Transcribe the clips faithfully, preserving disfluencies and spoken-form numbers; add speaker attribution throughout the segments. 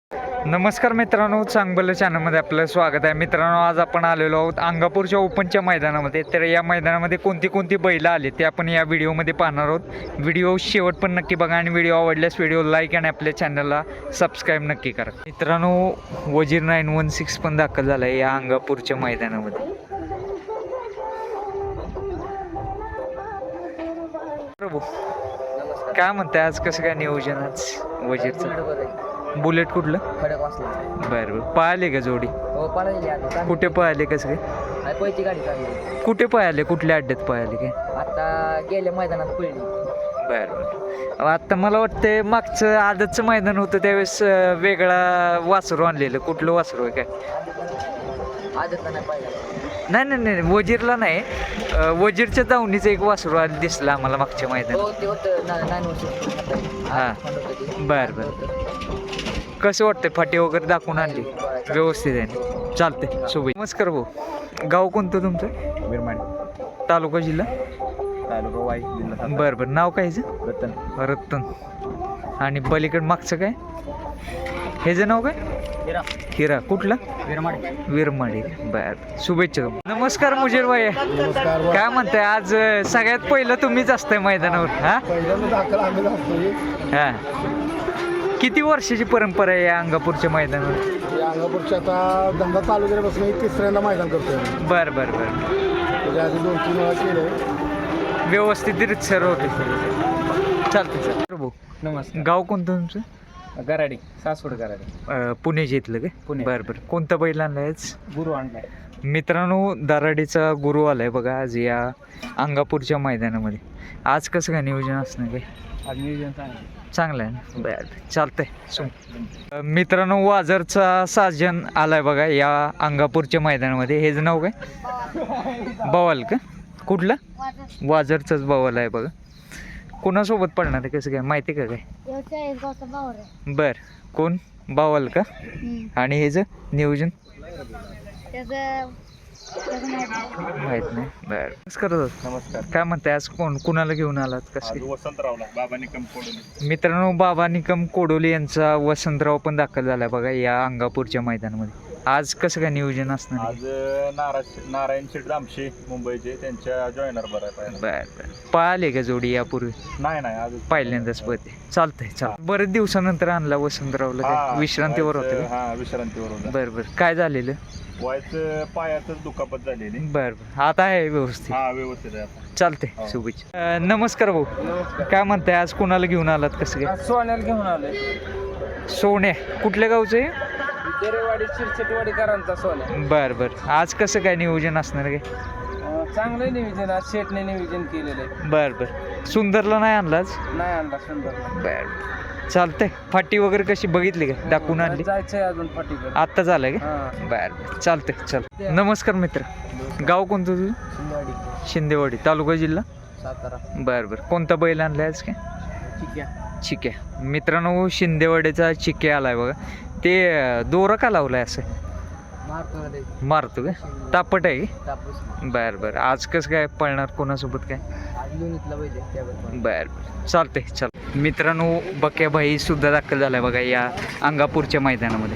Speaker 1: नमस्कार मित्रांनो, चांगलं चॅनलमध्ये आपलं स्वागत आहे. मित्रांनो, आज आपण आलेलो आहोत अंगापूरच्या ओपनच्या मैदानामध्ये. तर या मैदानामध्ये कोणती कोणती बैल आली ते आपण या व्हिडिओमध्ये पाहणार आहोत. व्हिडिओ शेवट पण नक्की बघा आणि व्हिडिओ आवडल्यास व्हिडिओ लाईक आणि आपल्या चॅनलला सबस्क्राईब नक्की करा. मित्रांनो, वजीर नाईन वन सिक्स पण दाखल झाला आहे या अंगापूरच्या मैदानामध्ये. प्रभू, काय म्हणताय आज, कसं काय नियोजन आज वजीरचं? बुलेट कुठलं? बरं बरं. पळाले का जोडी? कुठे पळाले, कसं काय?
Speaker 2: पहिली गाडी चालली.
Speaker 1: कुठे पळाले, कुठल्या अड्ड्यात पळाले काय?
Speaker 2: आता गेल्या मैदानात पळली.
Speaker 1: बरं बरं. आता मला वाटतं मागचं आदतचं मैदान होतं त्यावेळेस वेगळा वासरू आणलेलं. कुठलं वासरू आहे काय?
Speaker 2: आदतला नाही पाहिजे.
Speaker 1: नाही नाही नाही वजीरला नाही, वजीरच्या दावणीचं एक वासरू आलं दिसलं आम्हाला मागच्या मैदानात.
Speaker 2: हो, ते होतं ना- नाईन वर्ष.
Speaker 1: हां. बरं बरं. कसं वाटतंय, फाटी वगैरे दाखवून आणली व्यवस्थित आहे? चालते. शुभेच्छा. नमस्कार भाऊ, गाव कोणतं तुमचं?
Speaker 3: विरमाडी,
Speaker 1: तालुका जिल्हा?
Speaker 3: तालुका वाई, जिल्हा.
Speaker 1: बरं बरं. नाव काय ह्याचं?
Speaker 3: रतन.
Speaker 1: रत्तन. आणि पलीकडं मागचं काय, ह्याचं नाव काय?
Speaker 2: हिरा.
Speaker 1: हिरा. कुठला?
Speaker 2: विरमाडी.
Speaker 1: विरमाडी. बरं. शुभेच्छा तुम्हाला. नमस्कार मुजीर भाई,
Speaker 3: नमस्कार.
Speaker 1: काय म्हणताय आज? सगळ्यात पहिलं तुम्हीच असताय मैदानावर. हा
Speaker 3: पहिल्यांदा दाखल आम्ही असतो.
Speaker 1: हा. किती वर्षाची परंपरा आहे या अंगापूरच्या मैदानावर?
Speaker 3: या अंगापूरच्या आता धंदा चालू केल्यापासून मी तिसऱ्यांदा मैदान करतोय.
Speaker 1: बरं बरं बरं.
Speaker 3: त्याच्या आधी दोन तीन वेळा केलं.
Speaker 1: व्यवस्थित सर होते. चालते सर. प्रभू,
Speaker 2: नमस्कार.
Speaker 1: गाव कोणतं तुमचं?
Speaker 2: गराडी, सासवड गराडी.
Speaker 1: अं, पुणे जिथलं काय?
Speaker 2: पुणे.
Speaker 1: बरं बरं. कोणता बैल आणलाय आज?
Speaker 2: गुरु आणलाय.
Speaker 1: मित्रांनो, दराडीचा गुरु आलाय बघा आज या अंगापूरच्या मैदानामध्ये. आज कसं काय नियोजन असणार काय?
Speaker 2: आज नियोजन चांगलं
Speaker 1: चांगलं आहे ना? बरं, चालतंय. सो मित्रांनो, वाजरचा साजन आलाय बघा या अंगापूरच्या मैदानामध्ये. हेच नाव काय? बवाल का? कुठलं? वाजरचंच बवाल आहे बघा. कोणासोबत पडणार आहे, कसं काय माहिती का काय? बर. कोण? बवाल का? आणि हेच नियोजन माहित नाही. बर. नमस्कार.
Speaker 3: नमस्कार.
Speaker 1: काय म्हणताय आज, कोण कुणाला घेऊन आलात, कसं?
Speaker 3: वसंतरावला, बाबा निकम कोडोली.
Speaker 1: मित्रांनो, बाबा निकम कोडोली यांचा वसंतराव पण दाखल झाला बघा या अंगापूरच्या मैदानामध्ये. आज कसं काय नियोजन असणार?
Speaker 3: आज नारायण नारायण शेठ दामशे मुंबईचे, त्यांच्या जॉईनर बरं आहे.
Speaker 1: बर बर. पळाले का जोडी यापूर्वी?
Speaker 3: नाही नाही, आज
Speaker 1: पहिल्यांदाच पळते. चालतंय. चाल. बरेच दिवसानंतर आणला वसंतरावला. काय विश्रांतीवर होते?
Speaker 3: हा, विश्रांतीवर होतं.
Speaker 1: बर बर. काय झालेलं?
Speaker 3: व्हायचं पायातच दुखापत झालेली.
Speaker 1: बर बर. आता आहे व्यवस्थित?
Speaker 3: हा, व्यवस्थित आहे आता.
Speaker 1: चालते. शुभेच्छा. अं, नमस्कार भाऊ, काय म्हणताय आज, कुणाला घेऊन आलात, कसं काय?
Speaker 2: सोन्याला घेऊन आलोय.
Speaker 1: सोन्या. कुठल्या गावचं आहे?
Speaker 2: देरेवाडी, शिरसटवाडीकरांचा सोन्या.
Speaker 1: बर बर. आज कसं काय नियोजन असणार काय?
Speaker 2: चांगलं नियोजन आज शेटने नियोजन केलेलं आहे.
Speaker 1: बर बर. सुंदरला नाही आणला आज?
Speaker 2: नाही आणला सुंदर.
Speaker 1: बर. चालतंय. फाटी वगैरे कशी बघितली का, दाखवून आणली?
Speaker 2: जायचंय अजून फाटीकडे.
Speaker 1: आत्ता झालंय का?
Speaker 2: हा.
Speaker 1: बर. चालतंय. चल. नमस्कार मित्र, गाव कोणतं तुझं?
Speaker 2: शिंदेवाडी,
Speaker 1: शिंदेवाडी. तालुका जिल्हा?
Speaker 2: सातारा.
Speaker 1: बर बर. कोणता बैल आणलाय आज काय?
Speaker 2: ठीक आहे.
Speaker 1: चिक्या. मित्रांनो, शिंदेवाडीचा चिक्या आलाय बघा. ते दोरा का लावलाय असं?
Speaker 2: मारतो
Speaker 1: मारतो का? तापट आहे की?
Speaker 2: तापूस.
Speaker 1: बर बर. आज कसं काय पळणार, कोणासोबत काय?
Speaker 2: आज लोणीतला पाहिजे त्यावर.
Speaker 1: बर बर. चालतंय. चल. मित्रांनो, बक्याबाई सुद्धा दाखल झालाय बघा या अंगापूरच्या मैदानामध्ये.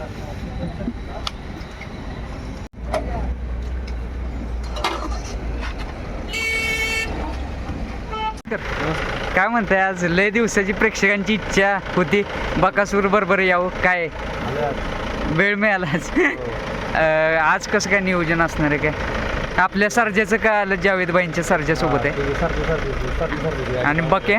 Speaker 1: काय म्हणताय आज, लय दिवसाची प्रेक्षकांची इच्छा होती बकासूर बरोबर यावं, काय वेळ मिळाला आज? अं, आज कसं काय नियोजन असणार आहे काय? आपल्या सर्जाचं काय आलं, जावेदबाईंच्या सर्जासोबत आहे. आणि बक्या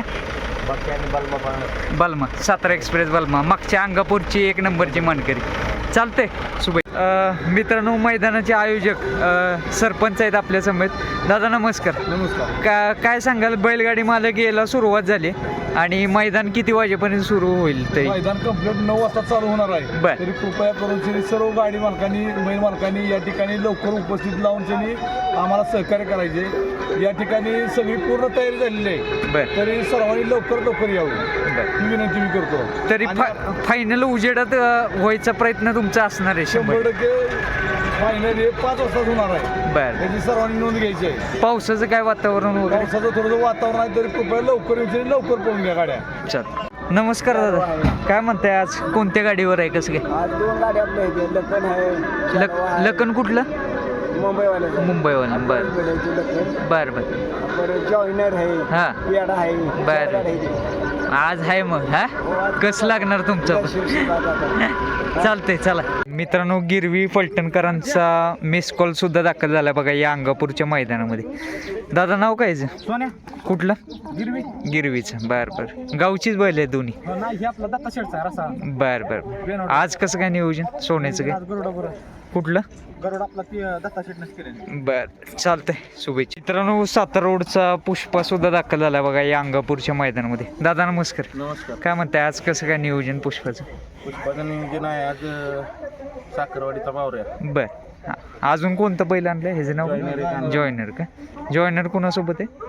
Speaker 1: बलमा, सातारा एक्सप्रेस बलमा, मागच्या अंगापूरची एक नंबरची मानकरी. चालतंय. शुभे मित्रांनो, मैदानाचे आयोजक सरपंच आहेत आपल्या समेत. दादा नमस्कार.
Speaker 3: नमस्कार.
Speaker 1: का काय सांगाल, बैलगाडी मालक यायला सुरुवात झाली आणि मैदान किती वाजेपर्यंत सुरू होईल तरी?
Speaker 3: मैदान कंप्लीट नऊ वाजता चालू होणार आहे.
Speaker 1: बर.
Speaker 3: तरी कृपया करून त्यांनी सर्व गाडी मालकांनी, बैल मालकांनी या ठिकाणी लवकर उपस्थित लावून त्यांनी आम्हाला सहकार्य करायचे. या ठिकाणी सगळी पूर्ण तयारी झालेली आहे.
Speaker 1: बर.
Speaker 3: तरी सर्वांनी लवकर लवकर यावं ही विनंती मी करतो.
Speaker 1: तरी फायनल उजेडात अं, व्हायचा प्रयत्न तुमचा असणार आहे
Speaker 3: शंभर
Speaker 1: शंभर
Speaker 3: टक्के. फायनल हे पाच वाजताच होणार आहे.
Speaker 1: बर.
Speaker 3: त्याची सर्वांनी नोंद घ्यायची आहे.
Speaker 1: पावसाचं काय वातावरण वगैरे?
Speaker 3: पावसाचं थोडंसं वातावरण आहे, तरी कृपया लवकर येऊन लवकर पळून घ्या गाड्या.
Speaker 1: चल. नमस्कार दादा, काय म्हणताय आज कोणत्या गाडीवर आहे कसं काय?
Speaker 2: आज दोन गाड्या आपल्या इथे लखन आहे
Speaker 1: लक लखन कुठलं?
Speaker 2: मुंबईवाले
Speaker 1: मुंबईवालं बरं
Speaker 2: लखन
Speaker 1: बरं बरं
Speaker 2: परत जॉईनर आहे
Speaker 1: हां
Speaker 2: पेडा आहे
Speaker 1: बर.
Speaker 2: चार गाड्या आहेत.
Speaker 1: आज आहे मग हा कसं लागणार तुमचं पण?
Speaker 2: शिवसेना जातात.
Speaker 1: चालतंय चला मित्रांनो, गिरवी फलटणकरांचा मिस कॉल सुद्धा दाखल झाला बघा या अंगापूरच्या मैदानामध्ये. दादा नाव काय याचं?
Speaker 2: सोन्या
Speaker 1: कुठलं?
Speaker 2: गिरवी
Speaker 1: गिरवीचं बर बर. गावचीच बैल आहे दोन्ही?
Speaker 2: नाही हे आपला दत्ता शेटचा रसा
Speaker 1: बर बर. आज कसं काय नियोजन सोन्याचं काय?
Speaker 2: गरुडा बरोबर
Speaker 1: कुठलं?
Speaker 2: गरुड आपला ती दत्ता शेटनंच केलेली.
Speaker 1: बर चालतंय, शुभेच्छा. मित्रांनो, सातारा रोडचा पुष्पा सुद्धा दाखल झाला बघा या अंगापूरच्या मैदानामध्ये. दादा नमस्कार,
Speaker 2: नमस्कार.
Speaker 1: काय म्हणताय आज कसं काय नियोजन पुष्पाचं?
Speaker 2: पुष्पाचं नियोजन आहे आज साखरवाडीचा बावऱ्या.
Speaker 1: बर. हा. अजून कोणतं बैल आणलं ह्याचं नाव?
Speaker 2: जॉयनर एक आणलं.
Speaker 1: जॉयनर का? जॉयनर कोणासोबत आहे?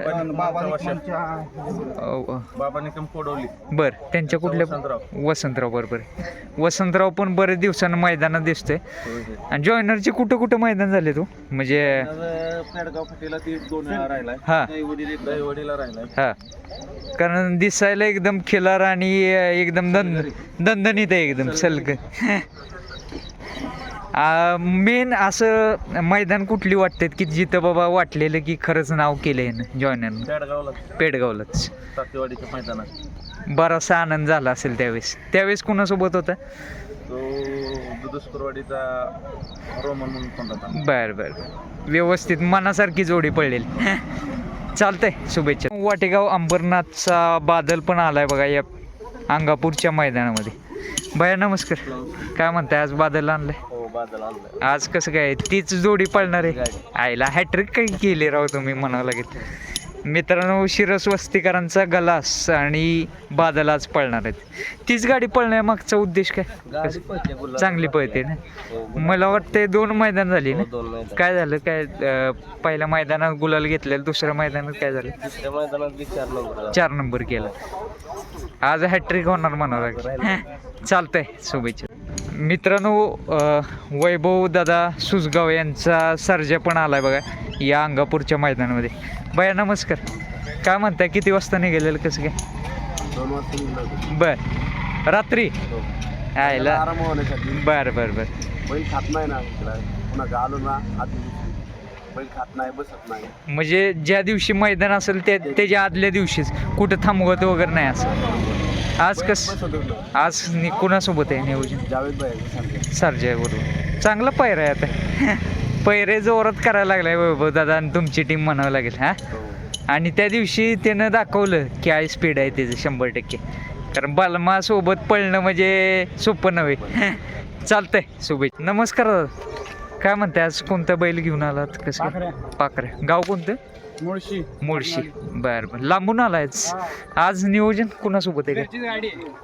Speaker 1: अ,
Speaker 2: बाबाने कम कोडवली.
Speaker 1: बर, त्यांच्या कुठल्या?
Speaker 2: वसंतराव.
Speaker 1: वसंतराव बरोबर आहे. वसंतराव पण बरेच दिवसानं मैदानात दिसतोय. आणि जॉयनरचे कुठं कुठं मैदान झाले तू म्हणजे?
Speaker 2: पेडगाव फाटीला ती दोन वेळा राहिलाय.
Speaker 1: हा
Speaker 2: दहीवडीला राहिलाय.
Speaker 1: हा, कारण दिसायला एकदम खिलार आणि एकदम दंद दणदणीत आहे एकदम सलग. मेन असं मैदान कुठली वाटतात की जिथं बाबा वाटलेलं की खरंच नाव केलंय ना जॉयनरनं?
Speaker 2: पेडगावला
Speaker 1: पेडगावलाच.
Speaker 2: सातेवाडीच्या मैदानात
Speaker 1: बराचसा आनंद झाला असेल त्यावेळेस. त्यावेळेस कुणासोबत होता?
Speaker 2: तो दुधुस्करवाडीचा रोमन म्हणून कोण होता.
Speaker 1: बर बर, व्यवस्थित मनासारखी जोडी पडलेली. चालतंय, शुभेच्छा. वाटेगाव अंबरनाथचा बादल पण आलाय बघा या अंगापूरच्या मैदानामध्ये. भैया नमस्कार, काय म्हणताय आज बादल आणलंय?
Speaker 2: हो बादल आणलाय.
Speaker 1: आज कसं काय तीच जोडी पळणार आहे? आईला हॅट्रिक काही केली राव तुम्ही म्हणावं लागेल. मित्रांनो, शिरस वस्तीकरांचा गलास आणि बादल आज पळणार आहेत. तीच गाडी पळण्यामागचा उद्देश काय? कसं? चांगली पळते ना. मला वाटतं दोन मैदान झाली ना. काय झालं काय? अं, पहिल्या मैदानात गुलाल घेतलेलं, दुसऱ्या मैदानात काय झालं?
Speaker 2: दुसऱ्या मैदानात बी चार नंबर
Speaker 1: चार नंबर केला. आज हॅट्रिक होणार म्हणावं लागेल. चालतंय, शुभेच्छा. मित्रांनो, अं, वैभव दादा सुसगाव यांचा सर्जा पण आलाय बघा या अंगापूरच्या मैदानामध्ये. भैया नमस्कार, काय म्हणताय किती वाजता निघालेलं कसं काय?
Speaker 2: दोन वाजता
Speaker 1: बर, रात्री आयला.
Speaker 2: आराम होण्यासाठी.
Speaker 1: बर बर बर.
Speaker 2: बैल खात नाही ना पुन्हा आलो ना आधी बैल खात नाही, बसत नाही.
Speaker 1: म्हणजे ज्या दिवशी मैदान असेल त्या त्याच्या आदल्या दिवशीच कुठं थांबवत वगैरे नाही असं. आज कस आज नि कुणासोबत आहे नियोजन?
Speaker 2: जावेद भाई
Speaker 1: सर्जा बरोबर. चांगला पैर आहे आता. पैरे जोरात करायला लागलाय वैभव दादा आणि तुमची टीम म्हणावं लागेल. हा, आणि त्या दिवशी त्यानं दाखवलं की काय स्पीड आहे त्याचं शंभर टक्के. कारण बालमा सोबत पळणं म्हणजे सोपं नव्हे. चालतंय, शुभेच्छा. नमस्कार दादा, काय म्हणते आज कोणता बैल घेऊन आलात कसं? पाखऱ्या. गाव कोणतं?
Speaker 2: मुळशी.
Speaker 1: मुळशी. बर बर, लांबून आलायच. आज नियोजन कुणासोबत आहे का?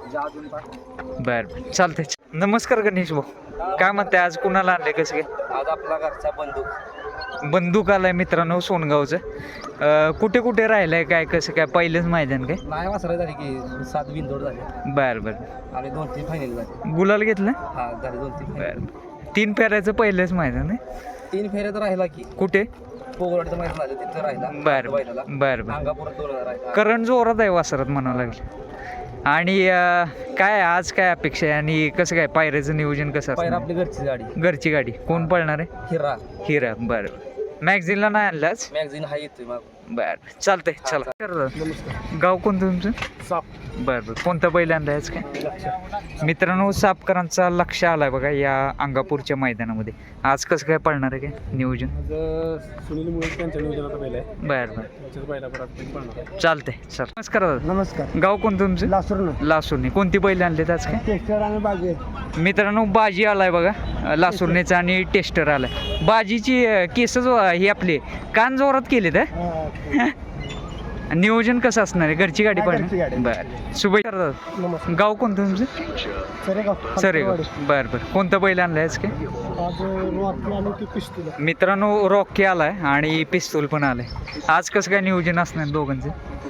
Speaker 1: बर बर, चालतंय. नमस्कार गणेश भाऊ, काय म्हणते आज कुणाला आणले कसं काय?
Speaker 2: आज आपला घरचा बंदूक
Speaker 1: बंदूक आलाय मित्रांनो सोनगावचं. अं, कुठे कुठे राहिलंय काय कसं काय? पहिलंच मैदान काय?
Speaker 2: नाही वासरा झाली की सात बिनदोड झाले
Speaker 1: बर बर.
Speaker 2: आणि दोन तीन फायनल झाले.
Speaker 1: गुलाल घेतलं?
Speaker 2: हा झाले दोन तीन
Speaker 1: बर. तीन फेऱ्याचं पहिलंच मैदान आहे.
Speaker 2: तीन फेऱ्यात राहिला की
Speaker 1: कुठे?
Speaker 2: पोगवाडचं मैदान झालं तिथं राहिला.
Speaker 1: बर बर बर.
Speaker 2: अंगापुरात दोन राहिला.
Speaker 1: करण जोरात आहे वासरात म्हणावं लागेल. आणि अं, काय आज काय अपेक्षा आहे आणि कसं काय पायऱ्याचं नियोजन कसं
Speaker 2: पहिला
Speaker 1: असणार?
Speaker 2: आपली घरची गाडी
Speaker 1: घरची गाडी कोण पळणार आहे?
Speaker 2: हिरा
Speaker 1: हिरा. बरं, मॅगझिनला नाही आणलाच?
Speaker 2: मॅगझिन हा येतोय मग.
Speaker 1: बर, चालतंय. चला.
Speaker 2: नमस्कार.
Speaker 1: गाव कोणतं तुमचं?
Speaker 2: साप.
Speaker 1: बरं बरं, कोणता बैल आणलाय आज काय? मित्रांनो, सापकरांचा लक्ष आलाय बघा या अंगापूरच्या मैदानामध्ये. आज कसं काय पळणार आहे काय नियोजन?
Speaker 2: सुनील मुळे त्यांच्या नियोजनाचा पहिला आहे.
Speaker 1: बरं बरं,
Speaker 2: पहिला पळणार.
Speaker 1: चालतंय. चल, नमस्कार दादा.
Speaker 2: नमस्कार.
Speaker 1: गाव कोणतं तुमचं?
Speaker 2: लासूर.
Speaker 1: लासूरने. कोणती बैल आणलेत आज काय?
Speaker 2: टेस्टर आणि बागे.
Speaker 1: मित्रांनो, बाजी आलाय बघा लासूरनेचा आणि टेस्टर आलाय. बाजीची अं, केस जो ही आपले कान जोरात केलेत. हा, नियोजन कसं असणार आहे? घरची गाडी पाहिजे. बरं, शुभेच्छा दादा.
Speaker 2: नमस्कार.
Speaker 1: गाव कोणतं तुमचं?
Speaker 2: सरेगाव.
Speaker 1: सरेगाव. बरं बरं, कोणता बैल आणलाय आज काय?
Speaker 2: आज रॉकी आणि ती पिस्तूल.
Speaker 1: मित्रांनो, रॉकी आलाय आणि पिस्तूल पण आलाय. आज कसं काय नियोजन असणार दोघांचं?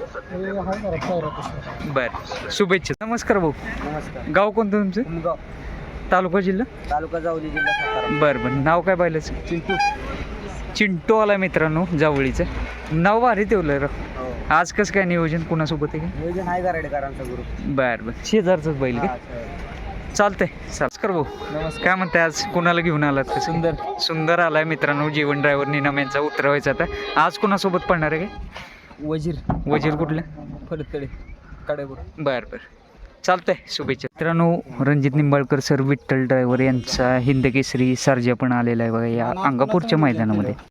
Speaker 1: बरं, शुभेच्छा. नमस्कार भाऊ.
Speaker 2: नमस्कार.
Speaker 1: गाव कोणतं तुमचं?
Speaker 2: उमगाव.
Speaker 1: तालुका जिल्हा?
Speaker 2: तालुका जावली, जिल्हा सातारा.
Speaker 1: बरं बरं, नाव काय बैलाचं?
Speaker 2: चिंटू.
Speaker 1: चिंटू आला मित्रांनो जावळीचं. नाव भारी ठेवलंय राव.
Speaker 2: हो.
Speaker 1: आज कसं काय नियोजन कुणासोबत आहे का?
Speaker 2: नियोजन आहे गारडेकरांचा ग्रुप.
Speaker 1: बरं बरं शेजारचंच बैल का चालतंय कर भाऊ
Speaker 3: नमस्कार.
Speaker 1: काय म्हणते आज कुणाला घेऊन आलात का? सुंदर सुंदर आलाय मित्रांनो जीवन ड्रायव्हर निनाम यांचा उतरवायचा आता आज कुणासोबत पडणार आहे काय?
Speaker 3: वजीर
Speaker 1: वजीर कुठलं?
Speaker 3: फलतकडे कडेपूर.
Speaker 1: बरं बरं चालतंय शुभेच्छा. मित्रांनो रणजित निंबाळकर सर विठ्ठल ड्रायव्हर यांचा हिंद केसरी सर्जा पण आलेला आहे बघा या अंगापूरच्या मैदानामध्ये.